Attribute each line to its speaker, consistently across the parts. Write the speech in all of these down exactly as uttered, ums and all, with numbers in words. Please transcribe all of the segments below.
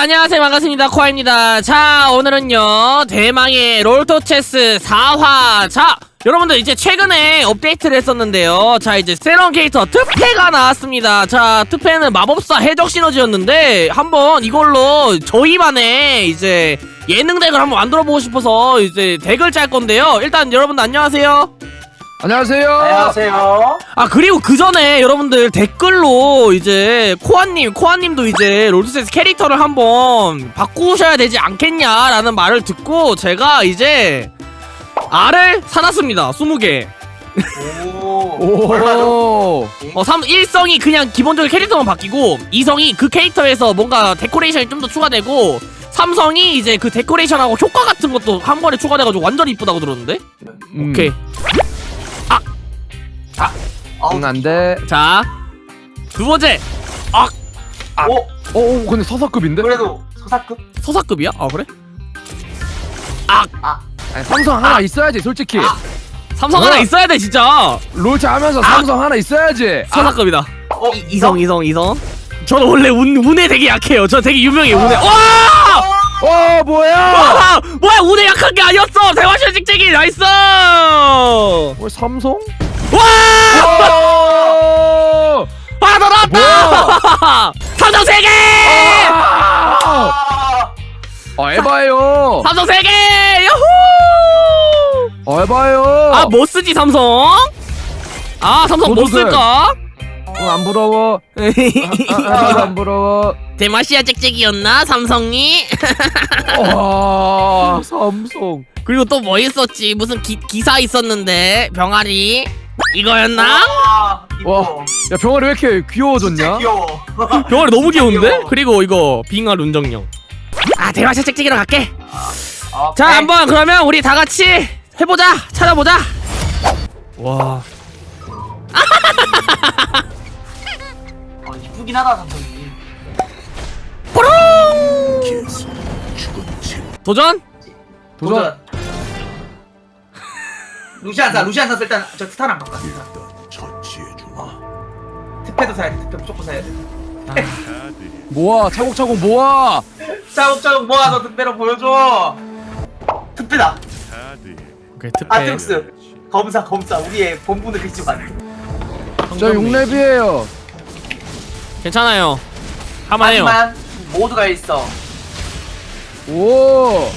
Speaker 1: 안녕하세요, 반갑습니다. 코아입니다. 자, 오늘은요 대망의 롤토체스 사 화. 자, 여러분들 이제 최근에 업데이트를 했었는데요. 자, 이제 새로운 캐릭터 트페가 나왔습니다. 자, 트페는 마법사 해적 시너지였는데 한번 이걸로 저희만의 이제 예능 덱을 한번 만들어보고 싶어서 이제 덱을 짤 건데요. 일단 여러분들 안녕하세요.
Speaker 2: 안녕하세요.
Speaker 3: 안녕하세요.
Speaker 1: 아, 그리고 그 전에 여러분들 댓글로 이제 코아님, 코아님도 이제 롤토체스 캐릭터를 한번 바꾸셔야 되지 않겠냐라는 말을 듣고 제가 이제 알을 사놨습니다. 스무 개.
Speaker 3: 오. 얼마죠?
Speaker 1: 어, 삼, 일성이 그냥 기본적인 캐릭터만 바뀌고, 이성이 그 캐릭터에서 뭔가 데코레이션이 좀 더 추가되고, 삼성이 이제 그 데코레이션하고 효과 같은 것도 한 번에 추가돼가지고 완전 이쁘다고 들었는데?
Speaker 2: 음.
Speaker 1: 오케이.
Speaker 2: 응, 안 돼.
Speaker 1: 자, 두 번째. 아,
Speaker 3: 오.
Speaker 2: 어, 어, 근데 서사급인데?
Speaker 3: 그래도 서사급?
Speaker 1: 서사급이야? 아, 그래?
Speaker 2: 아니, 삼성 하나 있어야지, 솔직히.
Speaker 1: 삼성
Speaker 2: 뭐야?
Speaker 1: 하나 있어야 돼, 진짜.
Speaker 2: 롤차 하면서 삼성 하나 있어야지.
Speaker 1: 서사급이다.
Speaker 3: 어,
Speaker 1: 이, 이성, 이성, 이성. 저는 원래 운, 운에 되게 약해요. 저 되게 유명해요, 운에. 와!
Speaker 2: 어, 뭐야?
Speaker 1: 와! 뭐야, 운에 약한 게 아니었어! 대화실 찍찍이, 나이스!
Speaker 2: 뭐 삼성?
Speaker 1: 와!
Speaker 2: 오!
Speaker 1: 아, 더 나왔다! 삼성 세 개!
Speaker 2: 아!
Speaker 3: 아.
Speaker 2: 어, 에바예요.
Speaker 1: 삼성 세 개! 야호!
Speaker 2: 어, 에바예요.
Speaker 1: 아, 뭐 쓰지, 삼성? 아, 삼성 뭐
Speaker 2: 너도 돼.
Speaker 1: 쓸까?
Speaker 2: 응, 안 부러워. 아, 아, 안 부러워.
Speaker 1: 대마시아 찍찍이였나, 삼성이?
Speaker 2: 와, 삼성.
Speaker 1: 그리고 또 뭐 있었지? 무슨 기, 기사 있었는데, 병아리. 이거였나?
Speaker 3: 아,
Speaker 2: 와,
Speaker 3: 이뻐.
Speaker 2: 야, 병아리 왜 이렇게
Speaker 3: 진짜
Speaker 2: 귀여워졌냐?
Speaker 3: 귀여워.
Speaker 1: 병아리 너무 귀여운데?
Speaker 3: 귀여워.
Speaker 1: 그리고 이거 빙하 룬정령. 아, 대마시아 찍찍이로 갈게.
Speaker 3: 아,
Speaker 1: 자,
Speaker 3: 백.
Speaker 1: 한번 그러면 우리 다 같이 해보자. 찾아보자. 와.
Speaker 3: 아, 이쁘긴 하다, 삼성이.
Speaker 1: 뽀롱! 도전?
Speaker 2: 도전.
Speaker 3: 루시안사, 루시안사 일단 저 스타랑 바꿔. 특패도 사야 돼, 특패 무조건 사야 돼.
Speaker 2: 모아, 차곡차곡 모아.
Speaker 3: 짜옥짜옥 모아서 특패로 보여줘. 특패다.
Speaker 1: 오케이, 특패.
Speaker 3: 아트록스. 검사, 검사. 우리의 본분을 잊지 마.
Speaker 2: 저 육 렙이에요.
Speaker 1: 괜찮아요. 할만해요.
Speaker 3: 하지만 모두가 있어.
Speaker 2: 오,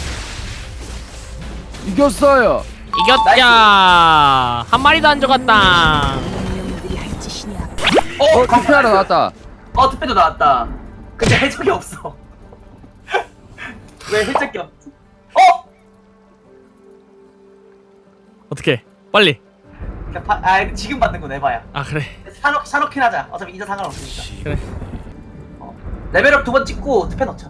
Speaker 2: 이겼어요.
Speaker 1: 이겼자. 한 마리도 안 죽었다.
Speaker 3: 어,
Speaker 2: 어, 투표 하나 나왔다.
Speaker 3: 어, 특패도 나왔다. 근데 해적이 없어. 왜 해적이 없지? 어?
Speaker 1: 어떻게? 빨리.
Speaker 3: 그냥 파, 아, 지금 받는 건 에바야.
Speaker 1: 아, 그래.
Speaker 3: 사놓, 사놓긴 하자. 어차피 이자 상관없으니까.
Speaker 1: 그래.
Speaker 3: 어. 레벨업 두 번 찍고 특패 넣자.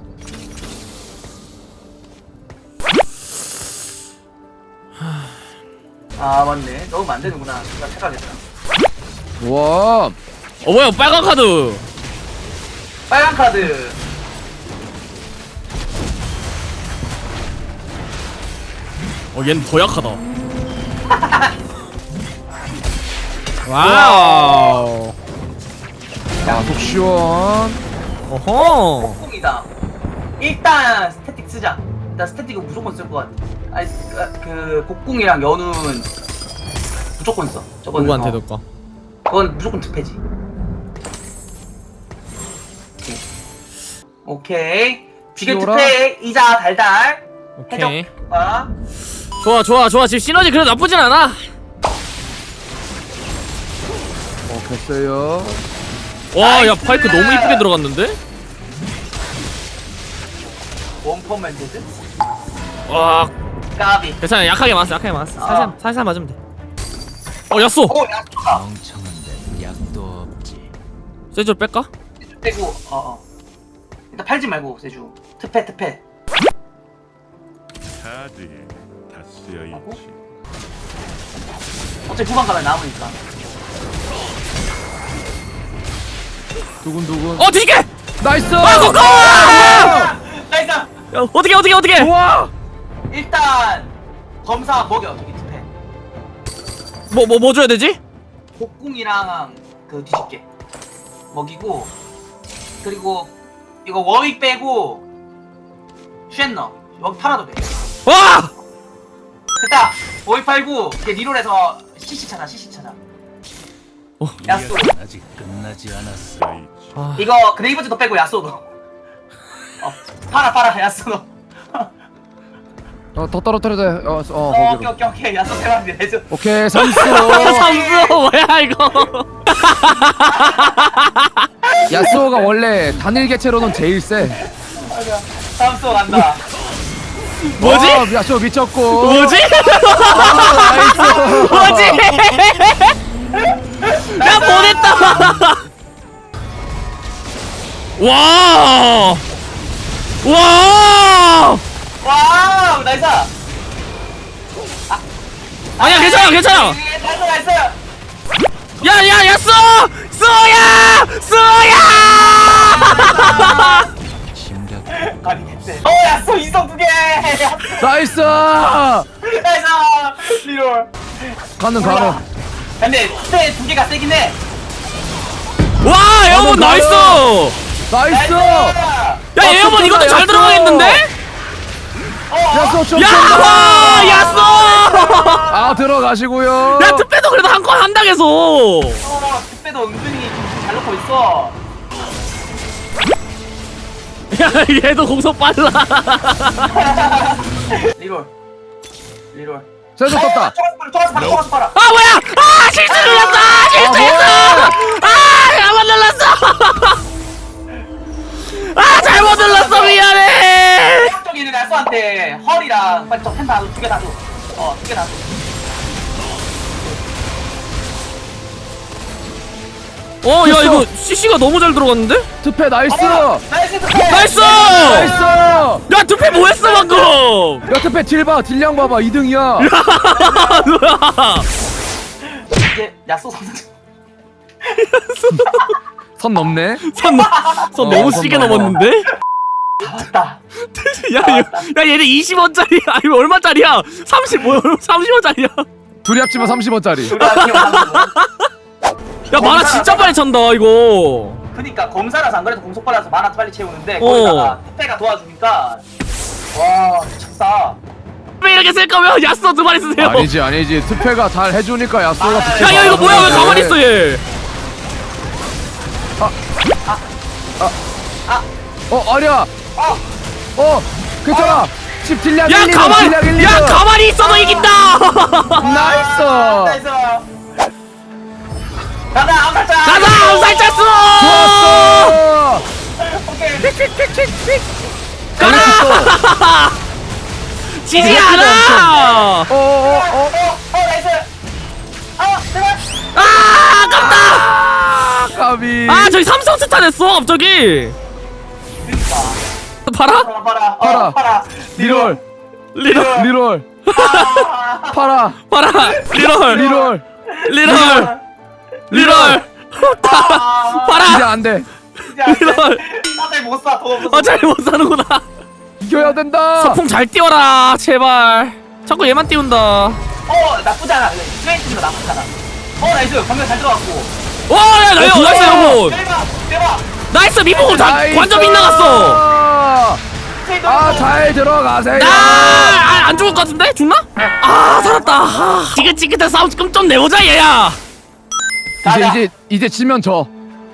Speaker 3: 아, 맞네. 넣으면 안 되는구나. 나 착각했다.
Speaker 2: 와,
Speaker 1: 어, 뭐야, 빨간 카드.
Speaker 3: 빨간 카드.
Speaker 1: 어, 얘는 더 약하다. 와우.
Speaker 2: 야, 속 시원.
Speaker 1: 어허.
Speaker 3: 폭풍이다. 일단 스태틱 쓰자. 일단 스태틱은 무조건 쓸 것 같아. 아니, 그, 그 곡궁이랑 연우는 무조건 써. 저거는
Speaker 1: 누구한테
Speaker 3: 어,
Speaker 1: 넣을까?
Speaker 3: 그건 무조건 특패지. 오케이. 비결
Speaker 2: 치워라.
Speaker 3: 특패 이자 달달.
Speaker 1: 오케이.
Speaker 3: 해적. 아.
Speaker 1: 좋아, 좋아, 좋아. 지금 시너지 그래도 나쁘진 않아.
Speaker 2: 어, 됐어요.
Speaker 1: 와, 야,
Speaker 3: 나이스.
Speaker 1: 파이크 너무 이쁘게 들어갔는데?
Speaker 3: 원펀맨 데드?
Speaker 1: 와,
Speaker 3: 까비.
Speaker 1: 괜찮아. 약하게 맞았어, 약하게 맞았어.
Speaker 3: 아.
Speaker 1: 살살, 살살 맞으면 돼. 어, 야쏘!
Speaker 3: 오, 야, 좋다.
Speaker 4: 멍청한데 약도 없지.
Speaker 1: 세줄 뺄까?
Speaker 3: 빼고, 어, 어. 일단 팔지 말고, 세주. 특패, 특패.
Speaker 5: 카드에 다 쓰여 있지.
Speaker 3: 어차피 후반 가면 남으니까.
Speaker 2: 두근두근.
Speaker 1: 어, 뒤집게!
Speaker 2: 나이스.
Speaker 1: 아, 코코! 야,
Speaker 3: 나이스!
Speaker 1: 어떻게, 어떻게, 어떻게!
Speaker 2: 좋아.
Speaker 3: 일단, 검사 먹여, 저기 특패.
Speaker 1: 뭐, 뭐, 뭐 줘야 되지?
Speaker 3: 곡궁이랑 그 뒤집게. 먹이고, 그리고 이거 워윅 빼고 쉔너 여기 팔아도 돼.
Speaker 1: 와!
Speaker 3: 됐다. 워윅 팔고 이제 리롤에서 씨씨 찾아. 씨씨 찾아.
Speaker 1: 어.
Speaker 3: 야쏘.
Speaker 4: 아직 끝나지 않았어.
Speaker 5: 야이치.
Speaker 1: 아,
Speaker 3: 이거 그레이브즈도 빼고 야쏘도. 어 팔아 팔아 야쏘도.
Speaker 2: 어, 더 떨어뜨려야 돼. 어, 어,
Speaker 3: 어 오케이
Speaker 2: 거기로.
Speaker 3: 오케이 오케이 야쏘 대박이네. 해줘.
Speaker 2: 오케이, 삼수.
Speaker 1: 삼수 뭐야 이거?
Speaker 2: 야스오가 원래 단일 개체로는 제일 세.
Speaker 3: 다음 수 간다.
Speaker 1: 뭐지?
Speaker 2: 어, 야스오 미쳤고.
Speaker 1: 뭐지?
Speaker 2: 나이스.
Speaker 1: 뭐지? 나 보냈다. 와! 와!
Speaker 3: 와우 나이스.
Speaker 1: 아니야 괜찮아 괜찮아.
Speaker 3: 나이스 나이스.
Speaker 1: 야야 야 쏘! 쏘야! 쏘야!
Speaker 4: 심각.
Speaker 3: 아니 됐대. 어 야쏘 이성 두 개.
Speaker 2: 나이스.
Speaker 3: 나이스 리롤.
Speaker 2: 가는 가는.
Speaker 3: 근데 그때 두 개가 세긴 해.
Speaker 1: 와 에어본
Speaker 2: 어,
Speaker 1: 나이스!
Speaker 2: 나이스.
Speaker 1: 야
Speaker 2: 아,
Speaker 1: 에어본
Speaker 2: 좋다,
Speaker 1: 이것도 잘
Speaker 2: 야쏘.
Speaker 1: 들어가겠는데?
Speaker 2: 야스오 좀.
Speaker 1: 야! 와! 야 쏘!
Speaker 2: 아, 들어가시고요.
Speaker 1: 야 특배도 그래도 한 건 한다 계속.
Speaker 3: 어 그때도 은근히 잘 넣고 있어.
Speaker 1: 야 얘도 공속 빨라.
Speaker 3: 리롤. 리롤.
Speaker 2: 세조 떴다.
Speaker 3: 초가스 팔아 초가스 팔아.
Speaker 1: 아 뭐야? 아 실수를 했어! 아, 실수했어! 아 잘못 눌렀어! 아 잘못 눌렀어 미안해.
Speaker 3: 쪽에 있는 야쏘한테 헐이랑 빨리 저펜 다 줘. 두 개 다 줘. 어 두 개 다 줘.
Speaker 1: 어 야 이거 씨씨가 너무 잘 들어갔는데?
Speaker 2: 투패 나이스.
Speaker 3: 어, 나이스 투패.
Speaker 1: 나이스!
Speaker 2: 나이스.
Speaker 1: 야 두패 뭐했어 방금?
Speaker 2: 야, 투패 딜 봐. 딜량 봐봐. 이 등이야.
Speaker 3: 이제 야쏘 선수.
Speaker 2: 선 넘네.
Speaker 1: 선, 선
Speaker 2: 어,
Speaker 1: 너무
Speaker 2: 선
Speaker 1: 시게
Speaker 2: 넘어.
Speaker 1: 넘었는데?
Speaker 3: 맞다.
Speaker 1: 야, 야, 야 얘네 이십 원짜리 아니 얼마짜리야? 삼십 뭐 삼십 원짜리야?
Speaker 2: 둘이 합치면 삼십 원짜리.
Speaker 1: 야 만화 진짜 빨리 찬다 이거.
Speaker 3: 그니까 검사라서 안 그래도 공속 빨라서 만화 빨리 채우는데
Speaker 1: 어.
Speaker 3: 거기다가 택배가 도와주니까 와 미쳤다.
Speaker 1: 왜 이렇게 쓸 거면 야스도 두 마리 쓰세요.
Speaker 2: 아니지 아니지. 투패가 잘 해주니까 야스오가
Speaker 3: 아,
Speaker 2: 붙여.
Speaker 1: 야, 야 이거 뭐야 왜 가만히 있어 얘?
Speaker 2: 어, 아니야.
Speaker 3: 어
Speaker 2: 어, 괜찮아. 집 딜량
Speaker 1: 야
Speaker 2: 일, 이 등,
Speaker 1: 가만,
Speaker 2: 딜량 일, 이 등.
Speaker 1: 야 가만히 있어도 이긴다.
Speaker 2: 나이스.
Speaker 3: 나이스. 가자 암살자.
Speaker 1: 가자 암살자 수.
Speaker 2: 좋았어.
Speaker 3: 오케이.
Speaker 1: 가라. 지지 않아.
Speaker 2: 어, 어, 어.
Speaker 3: 어, 어 나이스. 아 제발.
Speaker 1: 아 아깝다.
Speaker 2: 아, 까비.
Speaker 1: 아 저기 삼성 스타 됐어 갑자기.
Speaker 3: 그니까.
Speaker 1: 봐라.
Speaker 3: 팔아 팔아.
Speaker 2: 팔아.
Speaker 3: 어 팔아.
Speaker 2: 리롤.
Speaker 1: 리롤
Speaker 2: 리롤.
Speaker 3: 아.
Speaker 2: 팔아.
Speaker 1: 봐라. 리롤.
Speaker 2: 리롤.
Speaker 1: 리롤. 리롤.
Speaker 3: 아.
Speaker 1: 봐라.
Speaker 2: 이제 안 돼.
Speaker 1: 리롤.
Speaker 3: 나잘 못 사. 돈 없어서.
Speaker 1: 아 잘 못 사는구나.
Speaker 2: 이겨야 된다.
Speaker 1: 서풍 잘 띄워라 제발. 자꾸 얘만 띄운다.
Speaker 3: 어 나쁘지 않아. 스웨이트가 나쁘지 않아. 어 나이스. 방금 잘 들어갔고.
Speaker 1: 와야 나이스
Speaker 2: 어,
Speaker 1: 나이스
Speaker 2: 좋아.
Speaker 1: 여러분.
Speaker 3: 대박 대박.
Speaker 1: 나이스 미포 다
Speaker 2: 나이스.
Speaker 1: 완전 빗나갔어.
Speaker 3: 스웨이트
Speaker 2: 아, 잘 들어가세요.
Speaker 1: 아안 죽을 것 같은데 죽나? 아 살았다. 아, 지긋지긋한 싸움 좀 좀 내보자 얘야.
Speaker 2: 이제
Speaker 3: 가자.
Speaker 2: 이제 이제 지면 져.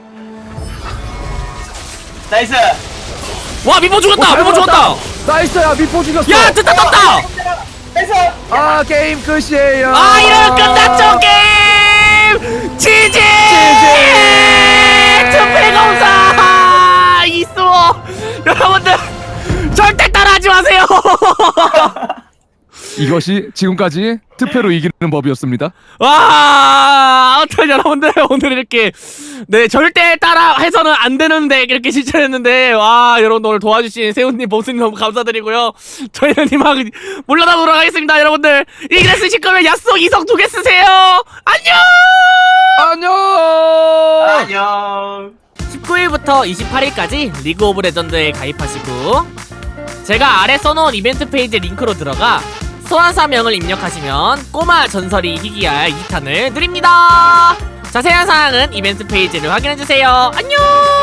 Speaker 3: 나이스.
Speaker 1: 와 미포 죽었다.
Speaker 2: 잘
Speaker 1: 미포 죽었다.
Speaker 2: 먹었다. 나이스야. 미포 죽였어.
Speaker 1: 야 됐다 떴다.
Speaker 3: 나이스.
Speaker 2: 아, 게임 끝이에요.
Speaker 1: 아 이러면 끝났죠 게임. 지지. 투표 검사 이수호 여러분들 절대 따라하지 마세요.
Speaker 2: 이것이 지금까지 투표로 이기는 법이었습니다.
Speaker 1: 와 아무튼 여러분들 오늘 이렇게 네 절대 따라 해서는 안 되는데 이렇게 실천했는데 와 여러분 오늘 도와주신 세훈님 보스님 너무 감사드리고요. 저희는 이만 물러나 보도록 하겠습니다. 여러분들 이길 쓰실 거면 야쏘 이성 두 개 쓰세요. 안녕.
Speaker 2: 안녕.
Speaker 3: 안녕.
Speaker 1: 십구 일부터 이십팔 일까지 리그 오브 레전드에 가입하시고 제가 아래 써놓은 이벤트 페이지 링크로 들어가 소환사명을 입력하시면 꼬마 전설이 희귀할 이 탄을 드립니다. 자세한 사항은 이벤트 페이지를 확인해주세요. 안녕.